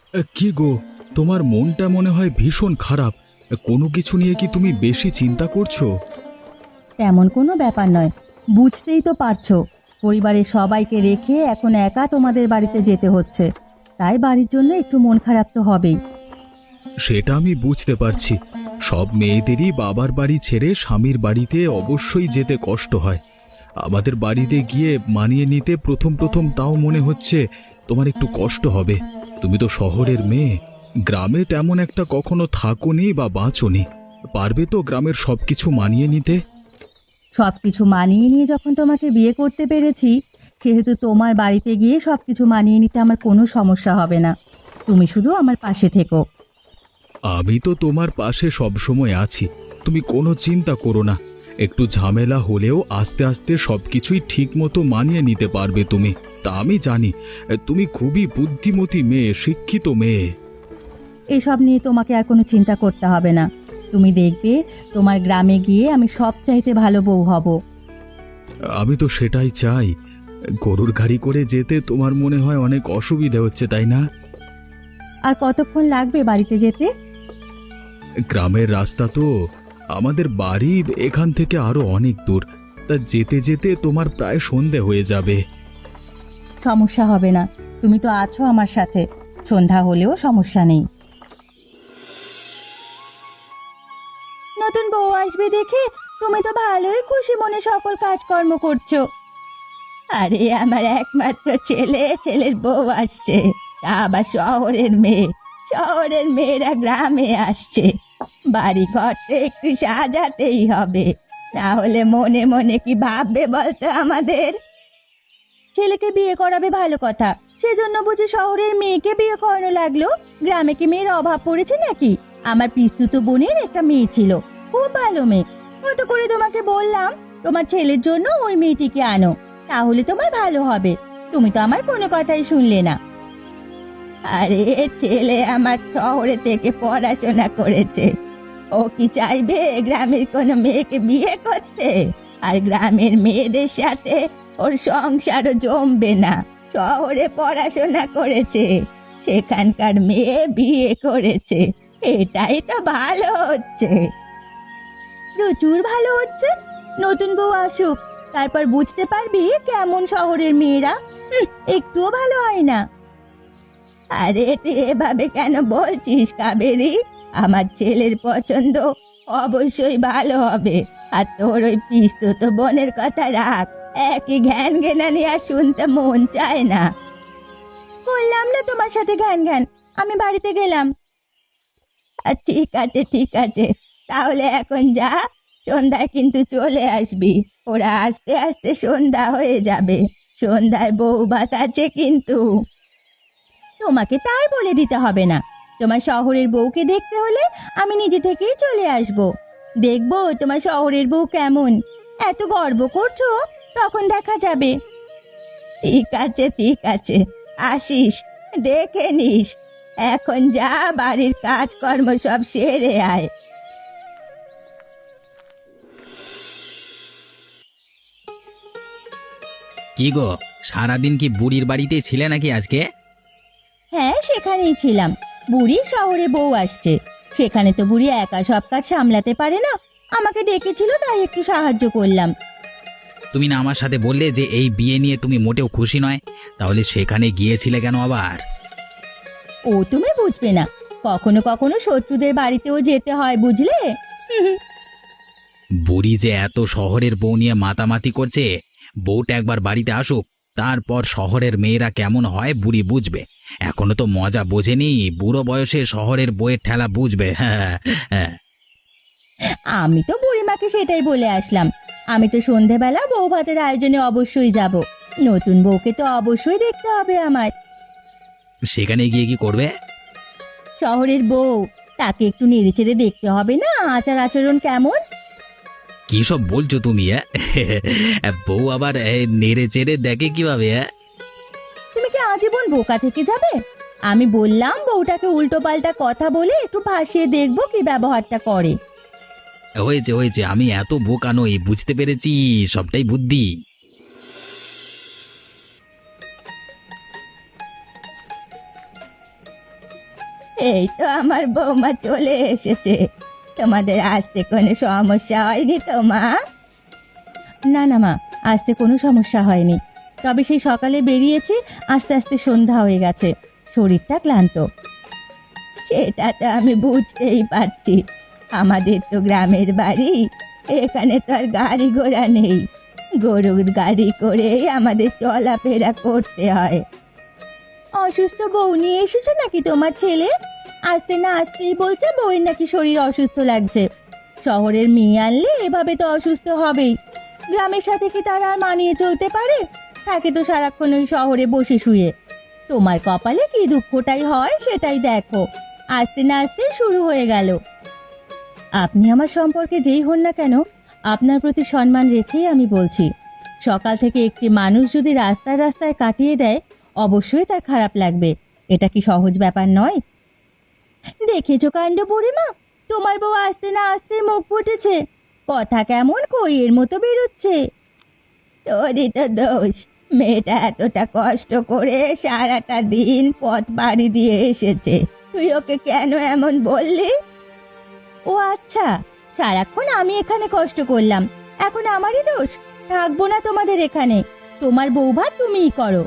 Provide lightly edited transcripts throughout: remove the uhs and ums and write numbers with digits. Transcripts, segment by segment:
কি গো, তোমার মনটা মনে হয় ভীষণ খারাপ। কোনো কিছু নিয়ে কি তুমি বেশি চিন্তা করছো? তেমন কোনো ব্যাপার নয়, বুঝতেই তো পারছো। পরিবারের সবাইকে রেখে এখন একা তোমাদের বাড়িতে যেতে হচ্ছে, তাই বাড়ির জন্য একটু মন খারাপ তো হবেই। সেটা আমি বুঝতে পারছি। সব মেয়েদেরই বাবার বাড়ি ছেড়ে স্বামীর বাড়িতে অবশ্যই যেতে কষ্ট হয়। আমাদের বাড়িতে গিয়ে মানিয়ে নিতে প্রথম প্রথম তাও মনে হচ্ছে তোমার একটু কষ্ট হবে। তুমি তো শহরের মেয়ে, গ্রামে তেমন একটা কখনো থাকোনি বা বাঁচোনি। পারবে তো গ্রামের সবকিছু মানিয়ে নিতে? সব কিছু মানিয়ে নিয়ে যখন তোমাকে বিয়ে করতে পেরেছি, সেহেতু তোমার বাড়িতে গিয়ে সব কিছু মানিয়ে নিতে আমার কোনো সমস্যা হবে না। তুমি শুধু আমার পাশে থেকো। আমি তো তোমার পাশে সবসময় আছি, তুমি কোনো চিন্তা করো না। একটু ঝামেলা হলেও আস্তে আস্তে সবকিছুই ঠিক মতো মানিয়ে নিতে পারবে তুমি। তা আমি জানি, তুমি খুবই বুদ্ধিমতী মেয়ে, শিক্ষিত মেয়ে। এসব নিয়ে তোমাকে আর কোনো চিন্তা করতে হবে না। তুমি দেখবে, তোমার গ্রামে গিয়ে আমি সবচাইতে ভালো বউ হব। আমি তো সেটাই চাই। গরুর গাড়ি করে যেতে তোমার মনে হয় অনেক অসুবিধা হচ্ছে, তাই না? আর কতক্ষণ লাগবে বাড়িতে যেতে? গ্রামের রাস্তা তো, আমাদের বাড়ি এখান থেকে আরো অনেক দূর। তা যেতে যেতে তোমার প্রায় সন্ধে হয়ে যাবে। সমস্যা হবে না, তুমি তো আছো আমার সাথে, সন্ধ্যা হলেও সমস্যা নেই। নতুন বউ আসবে দেখে তুমি তো ভালোই খুশি মনে সকল কাজকর্ম করছো। আরে আমার একমাত্র ছেলে, ছেলের বউ আসছে, তা আবার শহরের মেয়ে। শহরের মেয়েরা গ্রামে আসছে, বাড়ি ঘর তো একটু সাজাতেই হবে, না হলে মনে মনে কি ভাববে বলতো আমাদের। ছেলেকে বিয়ে করাবে ভালো কথা, সেজন্য বুঝি শহরের মেয়েকে বিয়ে করানো লাগলো? গ্রামে কি মেয়ের অভাব পড়েছে নাকি? আমার পিস্তুত বোনের একটা মেয়ে ছিল, খুব ভালো মেয়ে। কত করে তোমাকে বললাম তোমার ছেলের জন্য ওই মেয়েটিকে আনো, তাহলে তোমার ভালো হবে। তুমি তো আমার কোনো কথাই শুনলে না। আরে ছেলে আমার শহরে থেকে পড়াশোনা করেছে, ও কি চাইবে গ্রামের কোনো মেয়েকে বিয়ে করতে? আর গ্রামের মেয়েদের সাথে ওর সংসারও জমবে না। শহরে পড়াশোনা করেছে, সেখানকার মেয়ে বিয়ে করেছে, এটাই তো ভালো হচ্ছে। প্রচুর ভালো হচ্ছে। নতুন বউ আসুক, তারপর বুঝতে পারবি কেমন শহরের মেয়েরা। একটুও ভালো হয় না। আরে তুই এভাবে কেন বলছিস কাবেরী? আমার ছেলের পছন্দ অবশ্যই ভালো হবে। আর তোর ওই পিস্তুত বোনের কথা রাখ, একই ঘ্যান ঘেনানি আর শুনতে মন চায় না। করলাম না তোমার সাথে ঘ্যান ঘ্যান, আমি বাড়িতে গেলাম। ঠিক আছে ঠিক আছে, তাহলে এখন যা, সন্ধ্যায় কিন্তু চলে আসবি। ওরা আস্তে আস্তে সন্ধ্যা হয়ে যাবে, সন্ধ্যায় বউ ভাত আছে কিন্তু। তোমাকে তার বলে দিতে হবে না, তোমার শহরের বউকে দেখতে হলে আমি নিজে থেকেই চলে আসব। দেখবো তোমার শহরের বউ কেমন। এত গর্ব করছো, তখন দেখা যাবে। ঠিক আছে ঠিক আছে, আসিস, দেখে নিস। এখন যা, বাড়ির কাজকর্ম সব সেরে আয়। কি গো, সারাদিন কি বুড়ির বাড়িতে ছিলে নাকি আজকে? হ্যাঁ, সেখানেই ছিলাম। বুড়ি শহরে বউ আসছে, সেখানে তো বুড়ি একা সব কাজ সামলাতে পারে না, আমাকে ডেকেছিল তাই একটু সাহায্য করলাম। তুমি না আমার সাথে বললে যে এই বিয়ে নিয়ে তুমি মোটেও খুশি নয়, তাহলে সেখানে গিয়েছিলে কেন আবার? ও তুমি বুঝবে না, কখনো কখনো শত্রুদের বাড়িতেও যেতে হয় বুঝলে। বুড়ি যে এত শহরের বউ নিয়ে মাতামাতি করছে, বউটা একবার বাড়িতে আসুক, তারপর শহরের মেয়েরা কেমন হয় বুড়ি বুঝবে। এখনো তো মজা বোঝেনি, বুড়ো বয়সে শহরের বউয়ের ঠেলা বুঝবে। হ্যাঁ হ্যাঁ। আমি তো বুড়িমাকে সেটাই বলে আসলাম, আমি তো সন্ধেবেলা বউ ভাতের আয়োজনে অবশ্যই যাব। নতুন বউকে তো অবশ্যই দেখতে হবে আমার। সেখানে গিয়ে কি করবে? শহরের বউ, তাকে একটু নেড়েচেড়ে দেখতে হবে না আচার আচরণ কেমন। কি সব বলছো তুমি? বউ আবার নেড়ে চেড়ে দেখে কিভাবে? তুমি কি আজীবন বোকা থেকে যাবে? আমি বললাম বউটাকে উল্টো পাল্টা কথা বলে একটু ভাসিয়ে দেখবো কি ব্যবহারটা করে। হয়েছে হয়েছে, আমি এত বোকা নই, বুঝতে পেরেছি, সবটাই বুদ্ধি। এই তো আমার বৌমা চলে এসেছে। তোমাদের আসতে কোনো সমস্যা হয়নি তো মা? না না মা, আসতে কোনো সমস্যা হয়নি। তবে সেই সকালে বেরিয়েছি, আস্তে আস্তে সন্ধ্যা হয়ে গেছে, শরীরটা ক্লান্ত। সেটা তো আমি বুঝতেই পারছি। আমাদের তো গ্রামের বাড়ি, এখানে তো আর গাড়ি ঘোড়া নেই। গরুর গাড়ি করেই আমাদের চলাফেরা করতে হয়। অসুস্থ বউ নিয়ে এসেছো নাকি তোমার ছেলে? আসতে না আসতেই বলছে বউয়ের নাকি শরীর অসুস্থ লাগছে। শহরের মেয়ে আনলে এভাবে তো অসুস্থ হবেই। গ্রামের সাথে কি তারা আর মানিয়ে চলতে পারে? থাকে তো সারাক্ষণ ওই শহরে বসে শুয়ে। তোমার কপালে কি দুঃখটাই হয় সেটাই দেখো, আসতে না আসতে শুরু হয়ে গেল। আপনি আমার সম্পর্কে যেই হন না কেন, আপনার প্রতি সম্মান রেখেই আমি বলছি, সকাল থেকে একটি মানুষ যদি রাস্তায় রাস্তায় কাটিয়ে দেয়, অবশ্যই তার খারাপ লাগবে। এটা কি সহজ ব্যাপার নয়? দেখেছো কাণ্ড বুড়িমা, তোমার বউ আসতে না আসতে মুখ ফুটেছে, কথা কেমন কইয়ের মতো বেরোচ্ছে। তোরই তো দোষ, মেয়েটা এতটা কষ্ট করে সারাটা দিন পথ পাড়ি দিয়ে এসেছে, তুই ওকে কেন এমন বললি? ও আচ্ছা, সারাক্ষণ আমি এখানে কষ্ট করলাম, এখন আমারই দোষ? থাকবো না তোমাদের এখানে, তোমার বৌভাত তুমিই করো।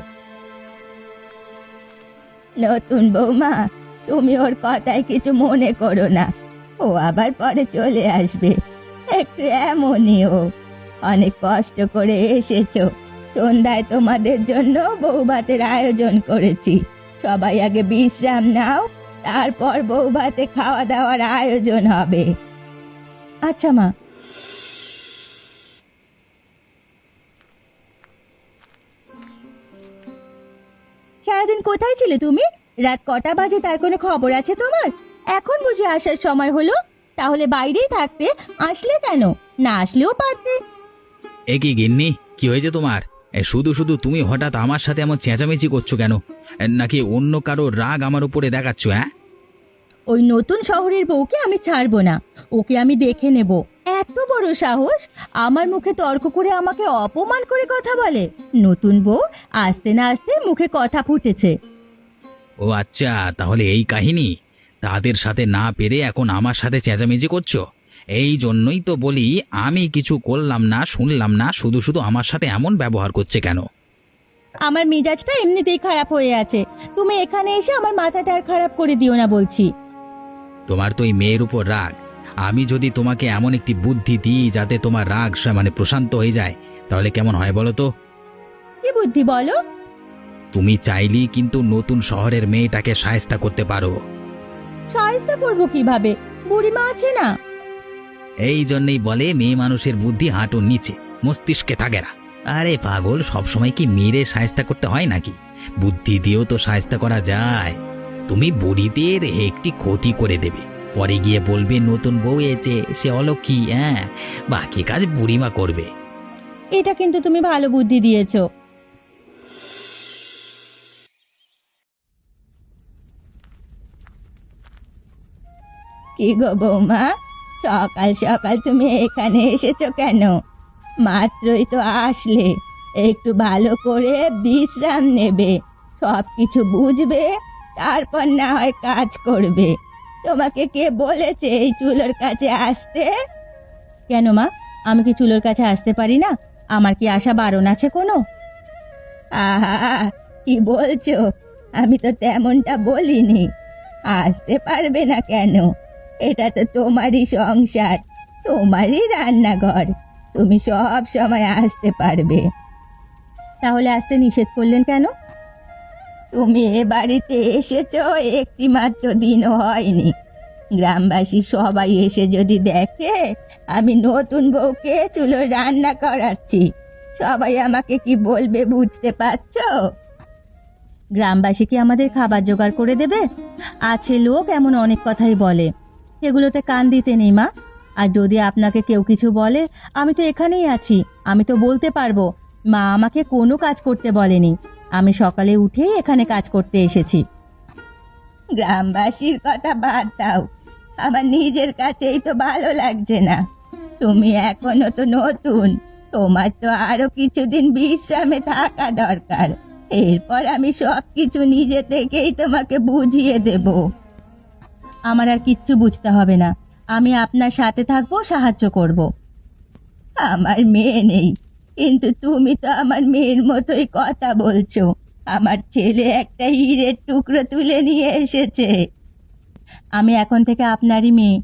নতুন বৌমা, তুমি ওর কথায় কিছু মনে করো না, ও আবার পরে চলে আসবে। একটু এমনই ও, অনেক কষ্ট করে এসেছো। সন্ধ্যায় তোমাদের জন্য বৌভাতের আয়োজন করেছি, সবাই আগে বিশ্রাম নাও, তারপর বৌভাতে খাওয়া দাওয়ার আয়োজন হবে। আচ্ছা মা। সারাদিন কোথায় ছিলে তুমি? রাত কটা বাজে তার কোনো খবর আছে তোমার? এখন বুঝে আসার সময় হলো? তাহলে বাইরেই থাকতে, আসলে কেন? না আসলেও পারতে। এ কি গিন্নি, কি হয়েছে তোমার? শুধু শুধু তুমি হঠাৎ আমার সাথে এমন চেঁচামেচি করছো কেন? নাকি অন্য কারো রাগ আমার উপরে দেখাচ্ছ? হ্যাঁ, ওই নতুন শহরের বউকে আমি ছাড়বো না, ওকে আমি দেখে নেব। এত বড় সাহস, আমার মুখে তর্ক করে আমাকে অপমান করে কথা বলে। নতুন বউ আসতে না আসতে মুখে কথা ফুটেছে। ও আচ্ছা, তাহলে এই কাহিনী। তাদের সাথে না পেরে এখন আমার সাথে চেঁচামেচি করছো। এই জন্যই তো বলি, আমি কিছু করলাম না, শুনলাম না, শুধু শুধু আমার সাথে এমন ব্যবহার করছে কেন? আমার মেজাজটা এমনিতেই খারাপ হয়ে আছে, তুমি এখানে এসে আমার মাথাটা আর খারাপ করে দিও না বলছি। তোমার তো এই মেয়ের উপর রাগ। আমি যদি তোমাকে এমন একটি বুদ্ধি দিই যাতে তোমার রাগ মানে প্রশান্ত হয়ে যায়, তাহলে কেমন হয় বলো তো? কি বুদ্ধি বলো? তুমি চাইলেই কিন্তু নতুন শহরের মেয়েটাকে শায়েস্তা করতে পারো। সাহায্য করবো কিভাবে? বুড়িমা আছে না। এই জন্যই বলে মেয়ে মানুষের বুদ্ধি হাঁটুর নিচে, মস্তিষ্কে থাকে না। আরে পাগল, সবসময় কি মেরে শায়েস্তা করতে হয় নাকি? বুদ্ধি দিয়েও তো শায়েস্তা করা যায়। তুমি বুড়িদের একটি ক্ষতি করে দেবে, পরে গিয়ে বলবে নতুন বউ এসেছে, সে অলক্ষী। হ্যাঁ, বাকি কাজ বুড়িমা করবে। এটা কিন্তু তুমি ভালো বুদ্ধি দিয়েছো। কি গো বৌমা, সকাল সকাল তুমি এখানে এসেছো কেন? মাত্রই তো আসলে, একটু ভালো করে বিশ্রাম নেবে, সব কিছু বুঝবে, তারপর না হয় কাজ করবে। তোমাকে কে বলেছে এই চুলোর কাছে আসতে? কেন মা, আমি কি চুলোর কাছে আসতে পারি না? আমার কি আসা বারণ আছে কোনো? আহা, কি বলছো? আমি তো তেমনটা বলিনি। আসতে পারবে না কেন? এটা তো তোমারই সংসার, তোমারই রান্নাঘর, তুমি সব সময় আসতে পারবে। তাহলে আসতে নিষেধ করলেন কেন? তুমি এ বাড়িতে এসেছো একটি মাত্র দিনও হয়নি, গ্রামবাসী সবাই এসে যদি দেখে আমি নতুন বউকে চুলোয় রান্না করাচ্ছি, সবাই আমাকে কি বলবে বুঝতে পারছো? গ্রামবাসী কি আমাদের খাবার জোগাড় করে দেবে? আছে লোক এমন অনেক কথাই বলে, সেগুলোতে কান দিতে নেই মা। আর যদি আপনাকে কেউ কিছু বলে, আমি তো এখানেই আছি, আমি তো বলতে পারবো মা আমাকে কোনো কাজ করতে বলেনি, আমি সকালে উঠেই এখানে কাজ করতে এসেছি। গ্রামবাসীর কথা বাদ দাও, আমার নিজের কাছেই তো ভালো লাগছে না। তুমি এখনো তো নতুন, তোমার তো আরো কিছুদিন বিশ্রামে থাকা দরকার, এরপর আমি সব কিছু নিজে থেকেই তোমাকে বুঝিয়ে দেব। আমার আর কিচ্ছু বুঝতে হবে না। আমি আপনার সাথে থাকবো, সাহায্য করব। আমার মেয়ে নেই, কিন্তু তুমি তো আমার মেয়ের মতোই কথা বলছো। আমার ছেলে একটা হীরের টুকরো তুলে নিয়ে এসেছে। আমি এখন থেকে আপনারই মেয়ে।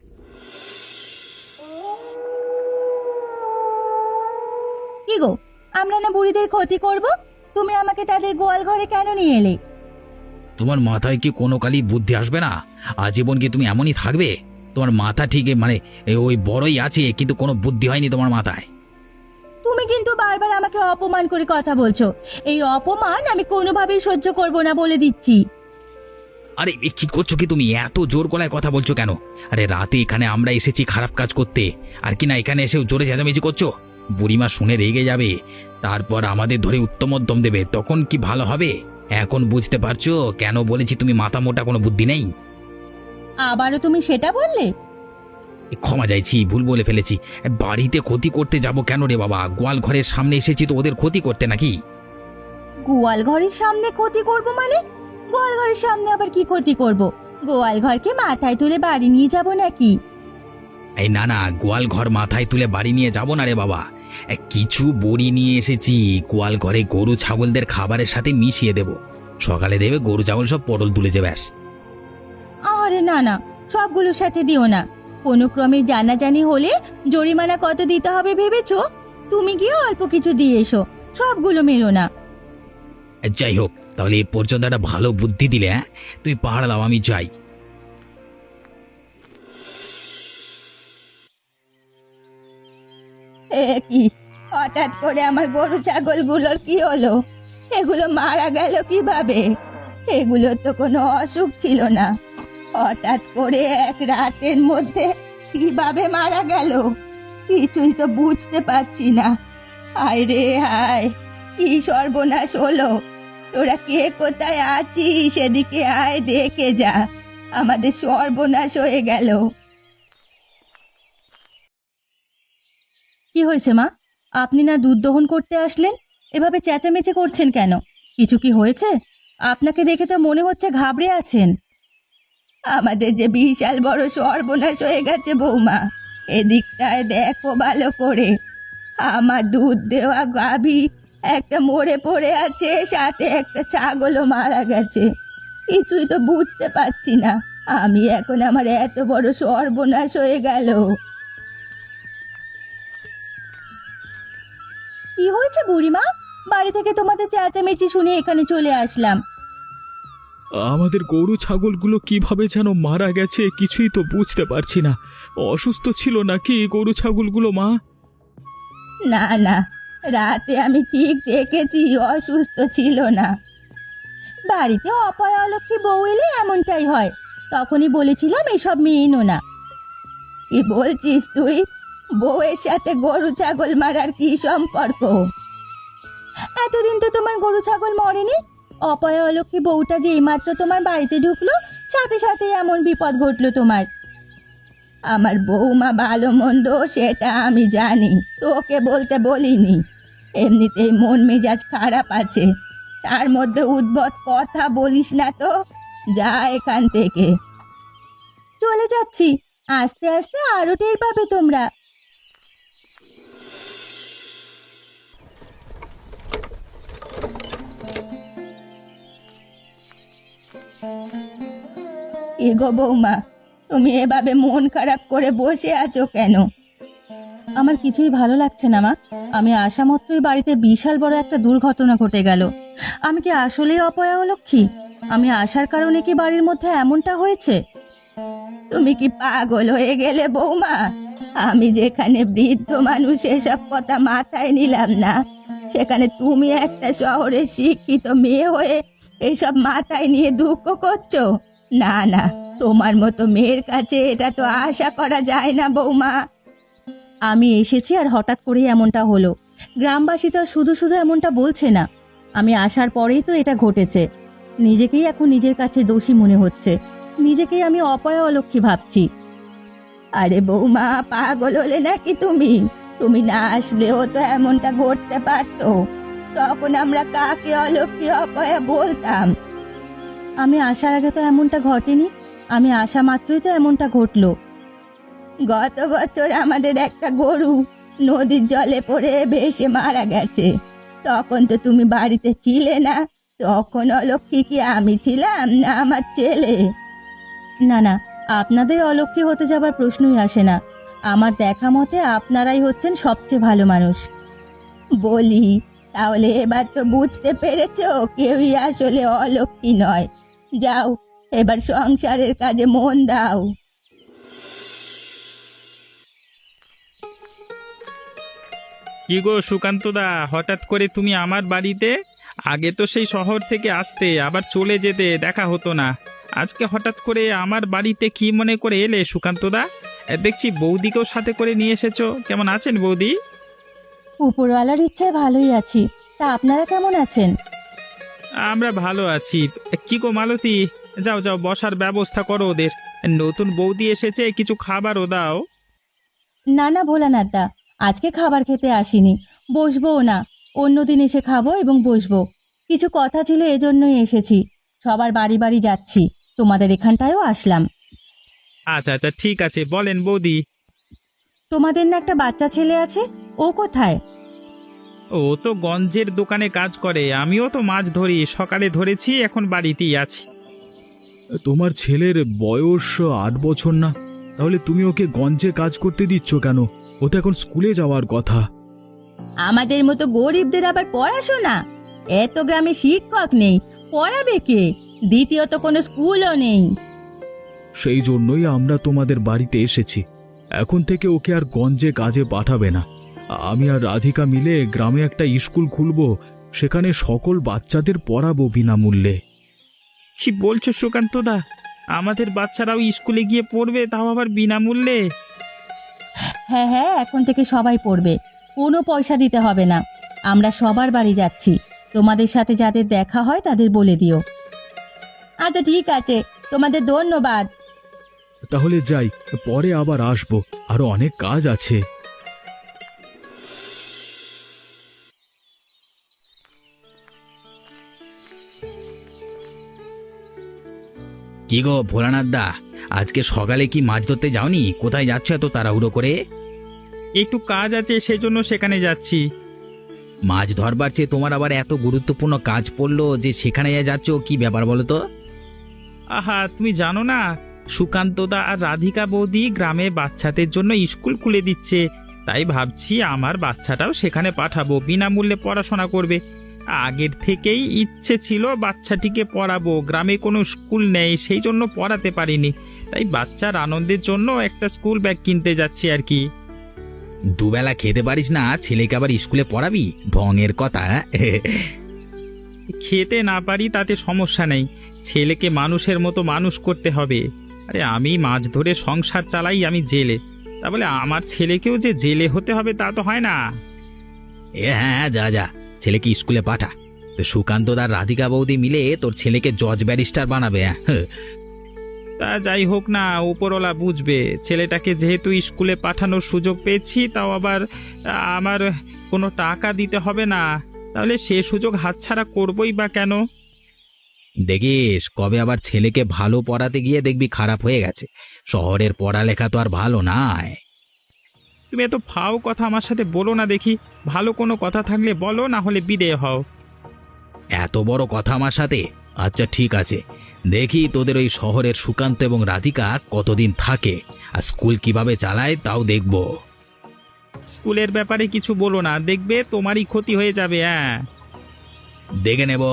কি গো, আমরা না বুড়িদের ক্ষতি করব? তুমি আমাকে তাদের গোয়াল ঘরে কেন নিয়ে এলে? তোমার মাথায় কি কোনো কালই বুদ্ধি আসবে না? আজীবন কি তুমি এমনই থাকবে? তোমার মাথা ঠিক মানে ওই বড়ই আছে, কিন্তু কোনো বুদ্ধি হয়নি তোমার মাথায়। তুমি কিন্তু বারবার আমাকে অপমান করে কথা বলছো। এই অপমান আমি কোনোভাবেই সহ্য করব না, বলে দিচ্ছি। আরে কি করছো কি তুমি? এত জোর গলায় কথা বলছো কেন? আরে রাতে এখানে আমরা এসেছি খারাপ কাজ করতে, আর কি না এখানে এসে জোরে চেঁচামেচি করছো? বুড়িমা শুনে রেগে যাবে, তারপর আমাদের ধরে উত্তমোত্তম দেবে, তখন কি ভালো হবে? এখন বুঝতে পারছো কেন বলেছি তুমি মাথা মোটা, কোনো বুদ্ধি নেই? আবারও তুমি সেটা বললে? ক্ষমা চাইছি, ভুল বলে ফেলেছি। বাড়িতে ক্ষতি করতে যাব কেন রে বাবা? গোয়াল ঘরের সামনে এসেছি তো ওদের ক্ষতি করতে নাকি? গোয়াল ঘরের সামনে ক্ষতি করব মানে? গোয়াল ঘরের সামনে আবার কি ক্ষতি করব? গোয়াল ঘরকে মাথায় তুলে বাড়ি নিয়ে যাব নাকি? এই না না, গোয়াল ঘর মাথায় তুলে বাড়ি নিয়ে যাব না রে বাবা। কিছু বড়ি নিয়ে এসেছি, গোয়াল ঘরে গরু ছাগলদের খাবারের সাথে মিশিয়ে দেব। সকালে দেবে গরু ছাগল সব পটল তুলেছে ব্যাস। আরে না না, সবগুলোর সাথে দিও না। কোনো ক্রমে জানাজানি হলে জরিমানা কত দিতে হবে ভেবেছো? তুমি গিয়ে অল্প কিছু দিয়ে এসো, সবগুলো মেরো না। যাই হোক, তাহলে এ পর্যন্ত একটা ভালো বুদ্ধি দিলে। তুই পাহাড় দাও, আমি যাই। এ কি, হঠাৎ করে আমার গরু ছাগলগুলোর কি হলো? এগুলো মারা গেল কিভাবে? এগুলো তো কোনো অসুখ ছিল না, হঠাৎ করে এক রাতের মধ্যে কিভাবে মারা গেল? কিছুই তো বুঝতে পারছি না। হায় রে হায়, কি সর্বনাশ হলো! তোরা কে কোথায় আছিস? সেদিকে আয়, দেখে যা, আমাদের সর্বনাশ হয়ে গেল। কি হয়েছে মা? আপনি না দুধ দহন করতে আসলেন, এভাবে চেঁচামেচি করছেন কেন? কিছু কি হয়েছে? আপনাকে দেখে তো মনে হচ্ছে ঘাবড়ে আছেন। আমাদের যে বিশাল বড় সর্বনাশ হয়ে গেছে বৌমা, এদিকটায় দেখো ভালো করে। আমার দুধ দেওয়া গাভী একটা মরে পড়ে আছে, সাথে একটা ছাগলও মারা গেছে। কিছুই তো বুঝতে পারছি না আমি এখন, আমার এত বড় সর্বনাশ হয়ে গেল। কি হয়েছে বুড়িমা? বাড়ি থেকে তোমাদের চেঁচামেচি শুনে এখানে চলে আসলাম। আমাদের গরু ছাগলগুলো কিভাবে যেন মারা গেছে, কিছুই তো বুঝতে পারছি না। অসুস্থ ছিল নাকি গরু ছাগলগুলো মা? না না, রাতে আমি ঠিক দেখেছি অসুস্থ ছিল না। বাড়িতে অপয়া অলক্ষী বউ এলে এমনটাই হয়, তখনই বলেছিলাম এসব মেয়েনো না। কি বলছিস তুই? বউয়ের সাথে গরু ছাগল মারার কি সম্পর্ক? এতদিন তো তোমার গরু ছাগল মরেনি। অপয়া অলক্ষী বউটা যে এইমাত্র তোমার বাড়িতে ঢুকলো, সাথে সাথে এমন বিপদ ঘটলো তোমার। আমার বৌমা ভালো মন্দ সেটা আমি জানি, তোকে বলতে বলিনি। এমনিতেই মন মেজাজ খারাপ আছে, তার মধ্যে উদ্ভট কথা বলিস না তো। যা এখান থেকে। চলে যাচ্ছি, আস্তে আস্তে আরো টের পাবে তোমরা। এগো বৌমা, তুমি এভাবে মন খারাপ করে বসে আছো কেন? আমার কিছুই ভালো লাগছে না মা। আমি আসা মাত্রই বাড়িতে বিশাল বড় একটা দুর্ঘটনা ঘটে গেল। আমি কি আসলেই অপয়া অলক্ষী? আমি আসার কারণে কি বাড়ির মধ্যে এমনটা হয়েছে? তুমি কি পাগল হয়ে গেলে বৌমা? আমি যেখানে বৃদ্ধ মানুষ এসব কথা মাথায় নিলাম না, সেখানে তুমি একটা শহরের শিক্ষিত মেয়ে হয়ে এসব মাথায় নিয়ে দুঃখ করছো? না না, তোমার মতো মেয়ের কাছে এটা তো আশা করা যায় না বৌমা। আমি এসেছি আর হঠাৎ করে এমনটা হলো। গ্রামবাসী তো শুধু শুধু এমনটা বলছে না, আমি আসার পরেই তো এটা ঘটেছে। নিজেকেই এখন নিজের কাছে দোষী মনে হচ্ছে, নিজেকেই আমি অপয়া অলক্ষী ভাবছি। আরে বৌমা, পাগল হলে নাকি তুমি? তুমি না আসলেও তো এমনটা ঘটতে পারতো, তখন আমরা কাকে অলক্ষী অপয়া বলতাম? আমি আসার আগে তো এমনটা ঘটেনি, আমি আসা মাত্রই তো এমনটা ঘটলো। গত বছর আমাদের একটা গরু নদীর জলে পড়ে ভেসে মারা গেছে। তখন তো তুমি বাড়িতে ছিলে না। তখন অলক্ষী কি আমি ছিলাম না আমার ছেলে? না না, আপনাদের অলক্ষী হতে যাবার প্রশ্নই আসে না। আমার দেখা মতে আপনারাই হচ্ছেন সবচেয়ে ভালো মানুষ। বলি, তাহলে এবার তো বুঝতে পেরেছো কেউই আসলে অলক্ষী নয়। যাও, এবার সংসারের কাজে মন দাও। কি গো সুকান্তদা, হঠাৎ করে তুমি আমার বাড়িতে? আগে তো সেই শহর থেকে আসতে আবার চলে যেতে, দেখা হতো না। আজকে হঠাৎ করে আমার বাড়িতে কি মনে করে এলে সুকান্তদা? দেখছি বৌদিকেও সাথে করে নিয়ে এসেছো। কেমন আছেন বৌদি? উপরওয়ালার ইচ্ছায় ভালোই আছি। তা আপনারা কেমন আছেন? আমরা ভালো আছি। কি গো মালতী, যাও যাও, বসার ব্যবস্থা করো ওদের। নতুন বৌদি এসেছে, কিছু খাবারও দাও। না না ভোলানাথ দা, আজকে খাবার খেতে আসিনি, বসবোও না। অন্যদিন এসে খাবো এবং বসবো। কিছু কথা ছিল, এজন্যই এসেছি। সবার বাড়ি বাড়ি যাচ্ছি, তোমাদের এখানটায়ও আসলাম। আচ্ছা আচ্ছা, ঠিক আছে, বলেন বৌদি। তোমাদের না একটা বাচ্চা ছেলে আছে, ও কোথায়? ও তো গঞ্জের দোকানে কাজ করে, আমিও তো মাছ ধরি, সকালে ধরেছি, এখন বাড়িতেই আছি। তোমার ছেলের বয়স 8 বছর না? তাহলে তুমি ওকে গঞ্জে কাজ করতে দিচ্ছ কেন? ও তো এখন স্কুলে যাওয়ার কথা। আমাদের মতো গরিবদের আবার পড়াশোনা? এত গ্রামে শিক্ষক নেই, পড়াবে কে? দ্বিতীয়ত কোনো স্কুলও নেই। সেই জন্যই আমরা তোমাদের বাড়িতে এসেছি। এখন থেকে ওকে আর গঞ্জে কাজে পাঠাবে না। আমি আর রাধিকা মিলে গ্রামে একটা স্কুল খুলবো, সেখানে সকল বাচ্চাদের পড়াবো বিনামূল্যে। কি বলছো সুকান্তদা? আমাদের বাচ্চারাও স্কুলে গিয়ে পড়বে, তাও আবার বিনামূল্যে? হ্যাঁ হ্যাঁ, এখন থেকে সবাই পড়বে, কোনো পয়সা দিতে হবে না। আমরা সবার বাড়ি যাচ্ছি, তোমাদের সাথে যাদের দেখা হয় তাদের বলে দিও। আচ্ছা ঠিক আছে, তোমাদের ধন্যবাদ। তাহলে যাই, পরে আবার আসবো, আরো অনেক কাজ আছে। কি গো ভোলানাথ দা, আজকে সকালে কি মাছ ধরতে যাওনি? কোথায় যাচ্ছ এত তাড়াহুড়ো করে? একটু কাজ আছে, সেই জন্য সেখানে যাচ্ছি। মাছ ধরবার চেয়ে তোমার আবার এত গুরুত্বপূর্ণ কাজ পড়লো যে সেখানে যাচ্ছ, কি ব্যাপার বলো তো? আহা, তুমি জানো না, সুকান্তদা আর রাধিকা বৌদি গ্রামে বাচ্চাদের জন্য স্কুল খুলে দিচ্ছে। তাই ভাবছি আমার বাচ্চাটাও সেখানে পাঠাবো, বিনামূল্যে পড়াশোনা করবে। আগের থেকেই ইচ্ছে ছিল বাচ্চাটিকে পড়াবো, গ্রামে কোনো স্কুল নেই, সেই জন্য পড়াতে পারিনি। তাই বাচ্চার আনন্দের জন্য একটা স্কুল ব্যাগ কিনতে যাচ্ছি আর কি। দুবেলা খেতে পারিস না, ছেলেকে আবার স্কুলে পড়াবি? ঢঙের কথা। খেতে না পারি তাতে সমস্যা নেই, ছেলেকে মানুষের মতো মানুষ করতে হবে। আরে আমি মাছ ধরে সংসার চালাই, আমি জেলে, তা বলে আমার ছেলেকেও যে জেলে হতে হবে তা তো হয় না। হ্যাঁ, যা যা, ছেলেকে স্কুলে পাঠা। তো সুকান্ত আর রাধিকা বৌদি মিলে তোর ছেলেকে জজ ব্যারিস্টার বানাবে। হ্যাঁ, তা যাই হোক না, উপরওয়ালা বুঝবে। ছেলেটাকে যেহেতু স্কুলে পাঠানোর সুযোগ পেয়েছি, তাও আবার আমার কোনো টাকা দিতে হবে না, তাহলে সে সুযোগ হাতছাড়া করবই বা কেন? দেখিস কবে আবার ছেলেকে ভালো পড়াতে গিয়ে দেখবি খারাপ হয়ে গেছে। শহরের পড়ালেখা তো আর ভালো নয়। তুমি এত ফাও কথা আমার সাথে বলো না দেখি। ভালো কোনো কথা থাকলে বলো, না হলে বিদেয় হও। এত বড় কথা আমার সাথে? আচ্ছা ঠিক আছে, দেখি তোদের ওই শহরের সুকান্ত এবং রাধিকা কতদিন থাকে আর স্কুল কিভাবে চালায় তাও দেখব। স্কুলের ব্যাপারে কিছু বলো না, দেখবে তোমারই ক্ষতি হয়ে যাবে। হ্যাঁ, দেখে নেব।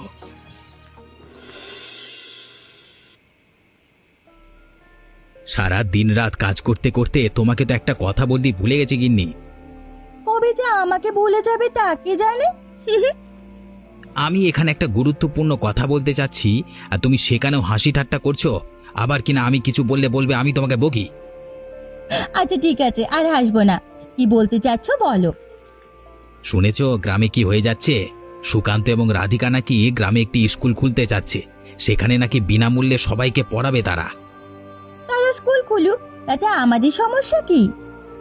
সারা দিন রাত কাজ করতে করতে তোমাকে তো একটা কথা বলতে ভুলে গেছি গিন্নি। কবে যে আমাকে ভুলে যাবে তা কে জানে। আমি এখানে একটা গুরুত্বপূর্ণ কথা বলতে চাচ্ছি আর তুমি সেখানেও হাসি ঠাট্টা করছো। আবার কিনা আমি কিছু বললে বলবে আমি তোমাকে বকি। আচ্ছা ঠিক আছে, আর হাসবো না। কি বলতে চাচ্ছ বলো। শুনেছো গ্রামে কি হয়ে যাচ্ছে? সুকান্ত এবং রাধিকা নাকি গ্রামে একটি স্কুল খুলতে চাচ্ছে, সেখানে নাকি বিনামূল্যে সবাইকে পড়াবে তারা। তারা স্কুল খুলুক, তাতে আমাদের সমস্যা কি?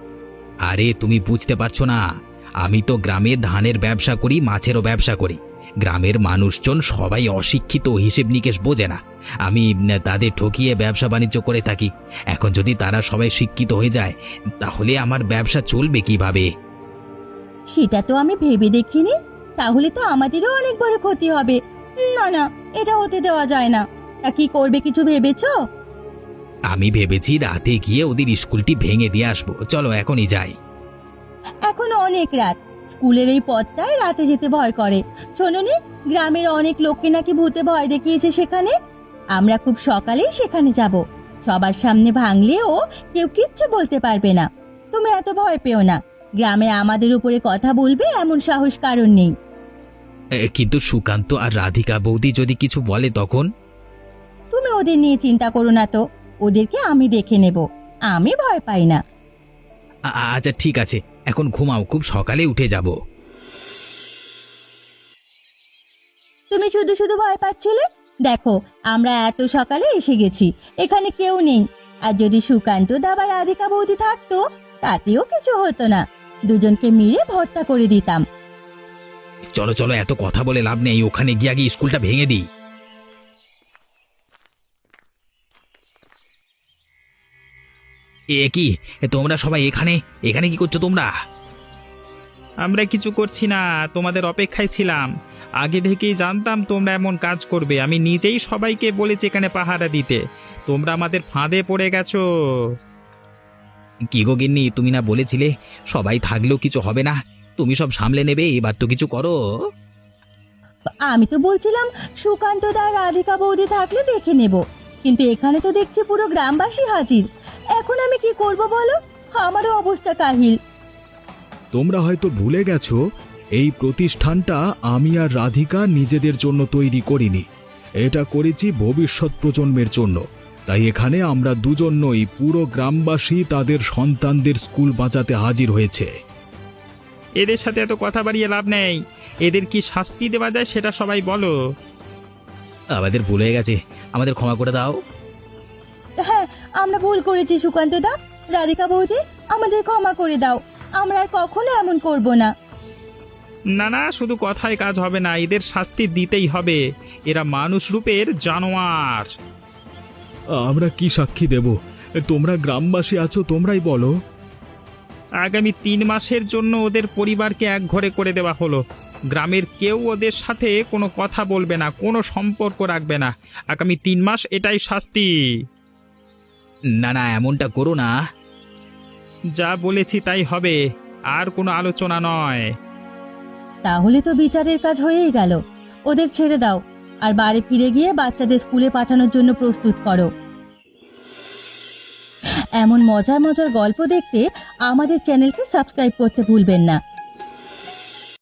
আরে তুমি বুঝতে পারছো না, আমি তো গ্রামে ধানের ব্যবসা করি, মাছেরও ব্যবসা করি। গ্রামের মানুষজন সবাই অশিক্ষিত, হিসেব নিকেশ বোঝে না। আমি তাদের ঠকিয়ে ব্যবসা বাণিজ্য করে থাকি। এখন যদি তারা সবাই শিক্ষিত হয়ে যায়, তাহলে আমার ব্যবসা চলবে কিভাবে? সেটা তো আমি ভেবে দেখিনি। তাহলে তো আমাদেরও অনেক বড় ক্ষতি হবে। না না, এটা হতে দেওয়া যায় না। তা কি করবে, কিছু ভেবেছো? আমি ভেবেছি রাতে গিয়ে ওদের স্কুলটি ভেঙে দিয়ে আসবো। চলো এখনই যাই। এখনো অনেক রাত, স্কুলের এই পথটায় রাতে যেতে ভয় করে। শোনোনি, গ্রামের অনেক লোককে নাকি ভূতে ভয় দেখিয়েছে সেখানে। আমরা খুব সকালেই সেখানে যাব। সবার সামনে ভাঙলেও কেউ কিচ্ছু বলতে পারবে না। তুমি এত ভয় পেও না। গ্রামে আমাদের উপরে কথা বলবে এমন সাহস কারণ নেই। কিন্তু সুকান্ত আর রাধিকা বৌদি যদি কিছু বলে তখন? তুমি ওদের নিয়ে চিন্তা করো না তো, ওদেরকে আমি দেখে নেব। আমি ভয় পাই না। আচ্ছা ঠিক আছে, এখন ঘুমাও, খুব সকালে উঠে যাব। তুমি শুধু শুধু ভয় পাচ্ছিলে। দেখো, আমরা এত সকালে এসে গেছি, এখানে কেউ নেই। আর যদি সুকান্ত দা বা রাধিকা বৌদি থাকতো, তাতেও কিছু হতো না। দুজনকে মিলে ভর্তা করে দিতাম। চলো চলো, এত কথা বলে লাভ নেই, ওখানে গিয়ে আগে স্কুলটা ভেঙে দিই। কি তোমরা সবাই এখানে এখানে কি করছো তোমরা? আমরা কিছু করছি না, তোমাদের অপেক্ষায় ছিলাম। আগে থেকেই জানতাম তোমরা এমন কাজ করবে। আমি নিজেই সবাইকে বলেছি এখানে পাহারা দিতে। তোমরা আমাদের ফাঁদে পড়ে গেছো। কি গো গিন্নি, তুমি না বলেছিলে সবাই থাকলেও কিছু হবে না, তুমি সব সামলে নেবে, এবার তো কিছু করো। আমি তো বলছিলাম সুকান্ত দা রাধিকা বৌদি থাকলে দেখে নেব, কিন্তু এখানে তো দেখছি পুরো গ্রামবাসী হাজির। এখন আমি কি করব বলো? আমারও অবস্থা কাহিল। তোমরা হয়তো ভুলে গেছো, এই প্রতিষ্ঠানটা আমি আর রাধিকা নিজেদের জন্য তৈরি করিনি। এটা করেছি ভবিষ্যৎ প্রজন্মের জন্য। তাই এখানে আমরা দুজন নই, পুরো গ্রামবাসী তাদের সন্তানদের স্কুল বাঁচাতে হাজির হয়েছে। এদের সাথে এত কথা বাড়িয়ে লাভ নেই। এদের কি শাস্তি দেওয়া যায় সেটা সবাই বলো। আমাদের ভুল হয়ে গেছে, আমাদের ক্ষমা করে দাও। হ্যাঁ, আমরা ভুল করেছি সুকান্ত দা, রাধিকা বৌদি, আমাদের ক্ষমা করে দাও। আমরা আর কখনো এমন করব না। না না, শুধু কথায় কাজ হবে না, এদের শাস্তি দিতেই হবে। এরা মানুষ রূপের জানোয়ার। আমরা কি সাক্ষী দেব? তোমরা গ্রামবাসী আছো, তোমরাই বলো। আগামী 3 মাসের জন্য ওদের পরিবারকে এক ঘরে করে দেওয়া হলো। গ্রামের কেউ ওদের সাথে কোনো কথা বলবে না, কোনো সম্পর্ক রাখবে না। আগামী 3 মাস, এটাই শাস্তি। না না, এমনটা করো না। যা বলেছি তাই হবে, আর কোনো আলোচনা নয়। তাহলে তো বিচারের কাজ হয়েই গেল। ওদের ছেড়ে দাও, আর বাড়ি ফিরে গিয়ে বাচ্চাদের স্কুলে পাঠানোর জন্য প্রস্তুত করো। এমন মজার মজার গল্প দেখতে আমাদের চ্যানেলকে সাবস্ক্রাইব করতে ভুলবেন না।